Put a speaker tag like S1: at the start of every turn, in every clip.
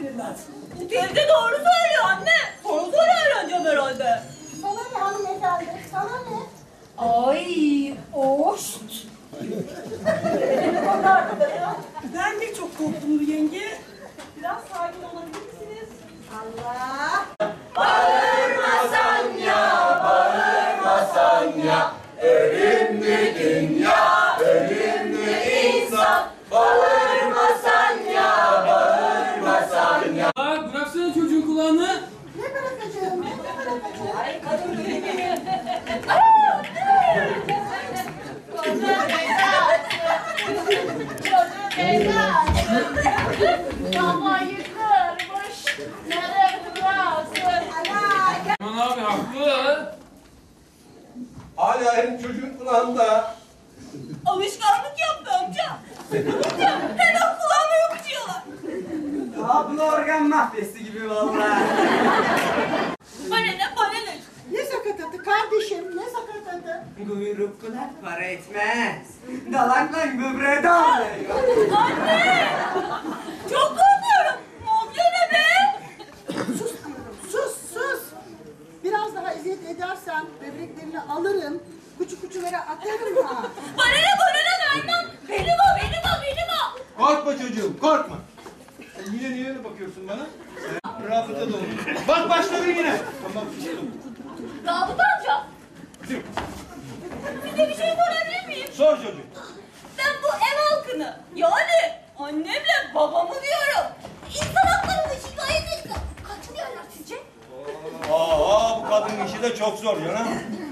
S1: bilmez. Teyze doğru söylüyor anne. Sonra öğreneceğim herhalde.
S2: Sana ne hanımefendi? Sana ne?
S1: Ay, oşt.
S3: Ben de çok korktum yenge. Biraz sakin olabilir misiniz?
S2: Allah!
S4: Bağırmasan ya, bağırmasan ya, ölümlü dünya, ölümlü insan. Bağırmasan ya, bağırmasan ya.
S5: Bıraksana çocuğun kulağını.
S2: Ne bırakacağım? Ne bırakacağım?
S1: Ay kadın böyle değil.
S6: Kafayı kırmış. Nereye bıraksın?
S5: Aman abi haklı.
S4: Hala hem çocuğun kulağında.
S1: Alışkanlık yaptı amca. Amca hemen kulağıma yapışıyorlar.
S7: Abla organ mafyası gibi vallahi.
S1: Bana ne bana ne?
S2: Ne sakatatı kardeşim? Ne sakatatı?
S7: Kuyruklular para etmez. Dalakla böbreğe dağılıyor.
S1: Anne! Çok korkuyorum. Amca ne be?
S2: Sus diyorum. Sus sus. Biraz daha eziyet edersen böbreklerini alırım. Kuçu kuçulara atarım ha.
S1: Bana ne vermem. Benim o.
S4: Korkma çocuğum, korkma. Yine niye öyle bakıyorsun bana? Rabıta da olur. Bak başladı yine. Tamam, sustum.
S1: Davut amca. Size bir şey sorabilir miyim?
S4: Sor çocuğum.
S1: Ben bu ev halkını yani annemle babamı diyorum. İnsan haklarını şikayet etsem kaç diyorlar sizce?
S4: Bu kadın işi de çok zor canım.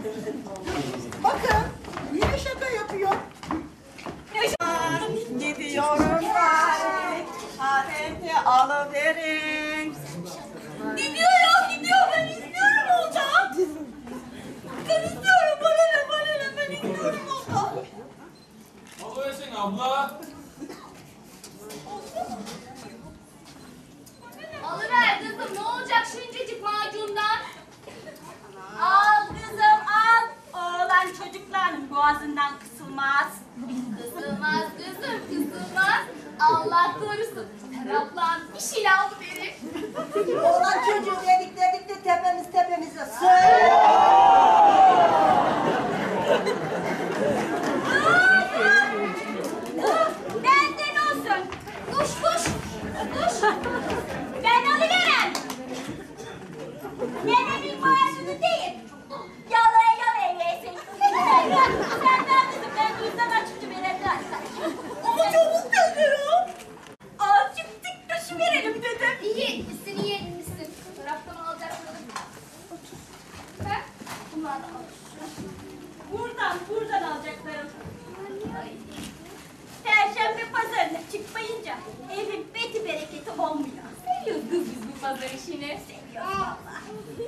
S2: Bakın yine şaka yapıyor.
S3: Gidiyorum ben. Ahente alıverin.
S1: Gidiyor. Ben istiyorum olacağım. Ben istiyorum. Bana ne? Ben istiyorum olacağım.
S5: Alıversin abla.
S6: Alıver kızım, ne olacak şuncacık macundan?
S1: Al kızım al. Oğlan çocukların boğazından kısılmaz.
S6: Kısılmaz kızım, kısılmaz. Allah korusun. Seraplan bir şeyle alıverir.
S2: Oğlan çocuğu dedik de tepemize söyle.
S1: Benden olsun. Kuş. Ben alıverem. Nenemin boğazını değil. Yalaya yesin. Sen ver kızım ben duysam açıkçı verelim. Ama çabuk geliyorum. Azıcık tık taşı verelim dedim.
S6: İyi etmişsin, iyi etmişsin. Taraftan alacaklarım. Ha? Bunlar da al.
S1: Buradan alacaklarım. Perşembe pazarına çıkmayınca evin beti bereketi olmuyor.
S6: Seviyoruz kız biz bu pazar işini.
S1: Seviyoruz valla.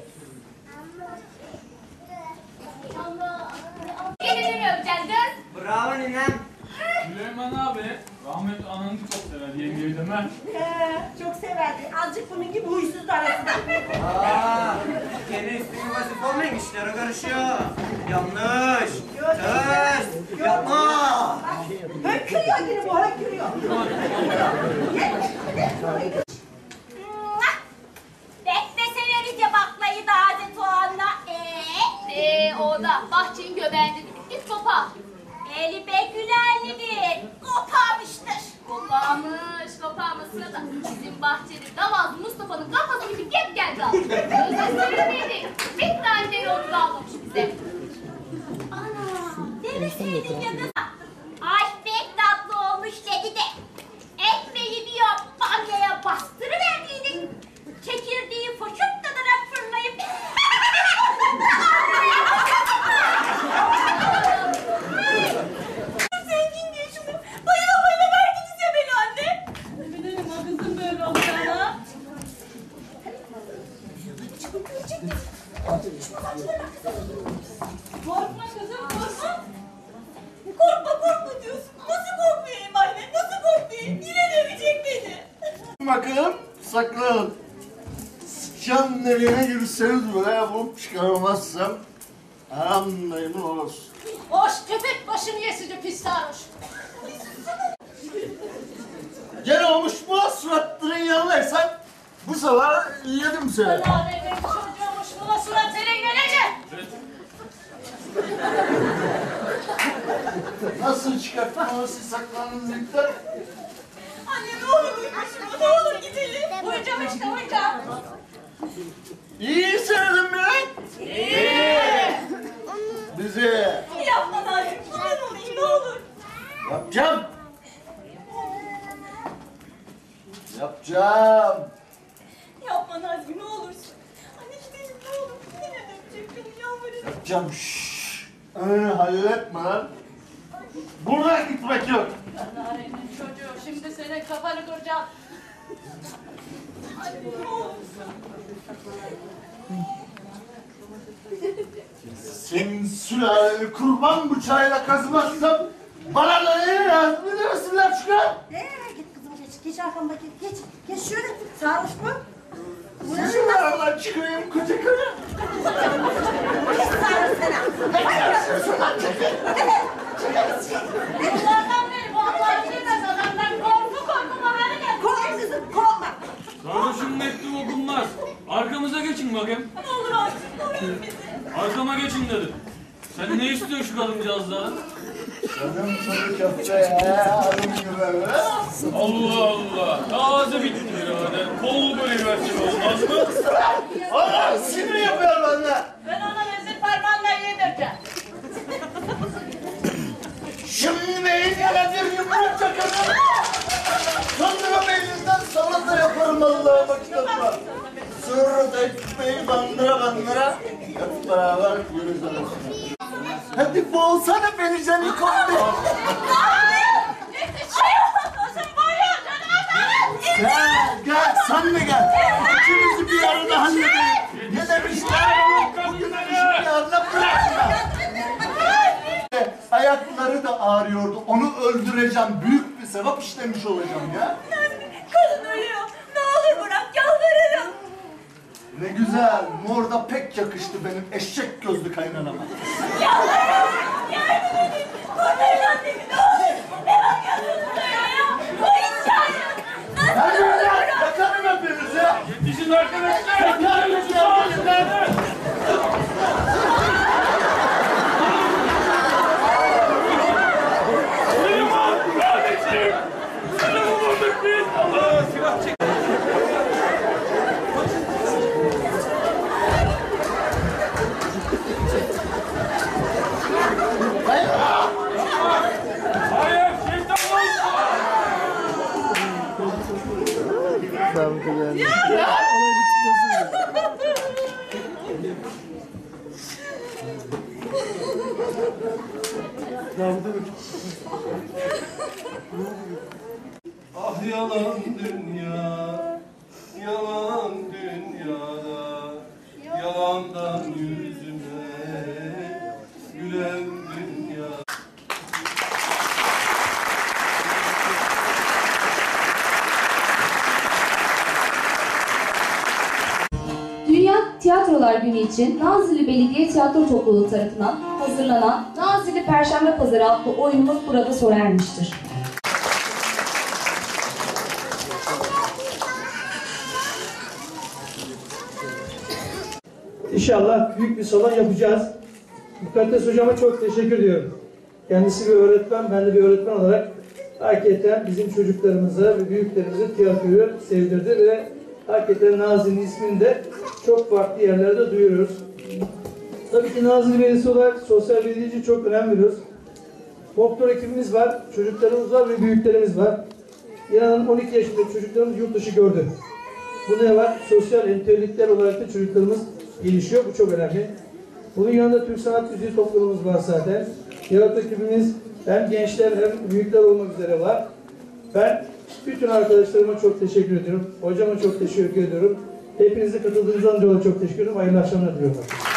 S6: Allah. Gelini öpeceksin kız.
S7: Bravo ninem.
S5: Süleyman abi. Rahmetli ananı çok sever yengeyi deme.
S3: Çok severdi. Azıcık bunun gibi huysuz arasında.
S7: Kendi üstüne basıp olmayın işlere karışıyor. Yanlış. Ters. Yapma.
S3: Hönkürüyor yine bu hönkürüyor.
S1: Bekle severiz ya baklayı da adet o anla.
S6: O da bahçenin göbeğinde git sopa.
S1: Eli be gülerlidir. Koparmıştır.
S6: Koparmış sırada bizim bahçede davaz Mustafa'nın kafası gibi gep geldi aldı. Gözleri miydi? Bir tane yolcu almamış bize.
S1: Ana demeseydin ya kız. Ay pek tatlı olmuş dedi de. Ekmeği bir yap bamyaya bastırıverdiydik. Çekirdeği foşup tadarak fırlayıp. Zengin diye şunu bayıla verdiniz ya beni anne.
S3: Ne bileyim o kızım böyle olacağına.
S1: Korkma kızım korkma. Korkma diyorsun. Nasıl korkmayayım anne? Nasıl korkmayayım? Yine dövecek beni.
S8: Bakın sakın. Sıçan nereye girseniz böyle yapıp çıkaramazsam anlayın olsun.
S6: Hoş köpek başını yesici pis sarhoş.
S8: Gene olmuş bu suratların yanındaysan kimseler yedim seni.
S6: Benim çocuğumuş buna surat senin gelecek.
S8: Nasıl çıkarttın onu siz saklandınız ilkten?
S3: Anne ne olur uyuma şuna, ne olur gidelim.
S6: Uyuyacağım işte uyuyacağım.
S8: İyi söyledin mi? İyi. Bizi
S3: Yapma Nazım, kurban olayım ne olur.
S8: yapacağım. Yapacağım.
S3: Yapma Nazım ne olursun. Anne gidelim ne olur. Yine dönecek beni yalvarırım.
S8: Yapacağım. Şşş. Önünü halletme lan. Buradan gitmek yok.
S6: Narenin çocuğu şimdi senin kafanı kıracağım.
S8: Senin sülaleni kurban bıçağıyla kazımazsam bana da ne lazım? Bir de resimler çıkar.
S2: Git kızım geç arkamdaki geç şöyle sarhoş mu?
S8: Sizin aradan çıkayım koca karı.
S6: Bunlardan beri bu Allah'ın bilmez adamdan korku bana gel.
S2: Korkma kızım korkma.
S5: Kardeşim mektup okunmaz. Arkamıza geçin bakayım.
S3: Ne olur artık koruyun bizi.
S5: Arkama geçin dedim. Sen ne istiyorsun şu kadıncağızdan?
S8: Canım çocuk yaptı ya. Alın gibi.
S5: Allah Allah. Taze bitti birader. Kol böyle versin olmaz mı?
S8: Oğlum sinir yapıyor bana.
S6: Ben ona vezir parmağınla yedireceğim.
S8: Şimdi beynine bir yumruk çakarım. Sonra beyninden salata yaparım Allah'a vakit atma. Sonra da ekmeği bandıra hep beraber yürüyüz arasına. Hadi boğsana beni Canikom Bey. Gel sen de gel. İkimizi bir arada halledelim. Ne demişler? Bir arada bırakma. Ayakları da ağrıyordu. Onu öldüreceğim. Büyük bir sevap işlemiş olacağım ya.
S3: Kadın ölüyor. Ne olur bırak yalvarırım.
S8: Ne güzel. Mor da pek yakıştı benim eşek gözlü kaynanama.
S3: Yardım edin. Kurtarın annemi ne olur. Ne bakıyorsunuz öyle ya? Uyuyacağım.
S8: Hadi öyle. Yakarım hepinizi.
S5: Yetişin arkadaşlar.
S8: Yakarım hepinizi.
S5: Süleyman kardeşim. Sana mı vurduk biz? Allah silah çek. Hayır, şeytan olsun.
S4: Ah yalan dünya, yalan dünyada, yalandan yüzüme gülen dünya.
S9: Dünya Tiyatrolar Günü için Nazilli Belediye Tiyatro Topluluğu tarafından hazırlanan Nazilli Perşembe Pazarı adlı oyunumuz burada sona ermiştir.
S10: İnşallah büyük bir salon yapacağız. Mukaddes hocama çok teşekkür ediyorum. Kendisi bir öğretmen, ben de bir öğretmen olarak hakikaten bizim çocuklarımıza ve büyüklerimize tiyatroyu sevdirdi ve hakikaten Nazilli'nin ismini de çok farklı yerlerde duyuruyoruz. Tabii ki Nazilli Belediyesi olarak sosyal belediyeci çok önem veriyoruz. Doktor ekibimiz var, çocuklarımız var ve büyüklerimiz var. İnanın 12 yaşında çocuklarımız yurt dışı gördü. Bu ne var? Sosyal entelektüel olarak da çocuklarımız gelişiyor. Bu çok önemli. Bunun yanında Türk Sanat Müziği topluluğumuz var zaten. Tiyatro ekibimiz hem gençler hem büyükler olmak üzere var. Ben bütün arkadaşlarıma çok teşekkür ediyorum. Hocama çok teşekkür ediyorum. Hepinize katıldığınızdan dolayı çok teşekkür ederim. Hayırlı akşamlar diliyorum.